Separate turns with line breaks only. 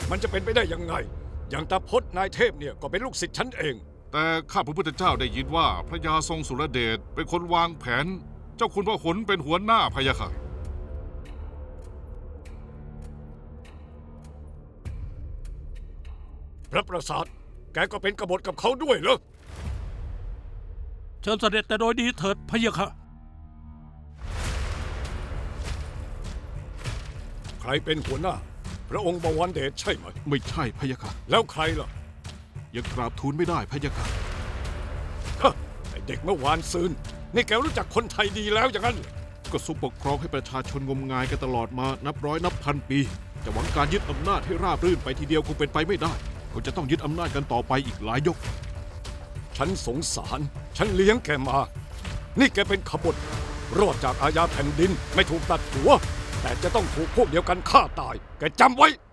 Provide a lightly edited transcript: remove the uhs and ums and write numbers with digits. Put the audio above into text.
มันจะเป็นไปได้ยังไง อย่างตาพจน์นายเทพเนี่ยก็เป็นลูกศิษย์ฉันเอง
แต่ข้าพระพุทธเจ้าได้ยินว่าพระยาทรงสุรเดชเป็นคนวางแผน เจ้าคุณพหลเป็นหัวหน้าพะยะค่ะ
พระประสาทแกก็เป็นกบฏกับเขาด้วยเหรอ
เชิญเสด็จแต่โดยดีเถิดพะยะค่ะ
ใครเป็นหัวหน้า พระองค์บวรเดชใช่ไหม
ไม่ใช่พะยะค่ะ
แล้วใครล่ะ
ยังกราบทูลไม่ได้พะยะค่ะ
ฮะไอเด็กเมื่อวานซืนนี่แกรู้จักคนไทยดีแล้วอย่างนั้นเหรอ
ก็ทรงปกครองให้ประชาชนงมงายกันตลอดมานับร้อยนับพันปีจะหวังการยึดอำนาจให้ราบรื่นไปทีเดียวคงเป็นไปไม่ได้ก็จะต้องยึดอำนาจกันต่อไปอีกหลายยก
ฉันสงสาร ฉันเลี้ยงแกมา นี่แกเป็นขบฏรอดจากอาญาแผ่นดินไม่ถูกตัดหัว แต่จะต้องถูกพวกเดียวกันฆ่าตาย แกจำไว้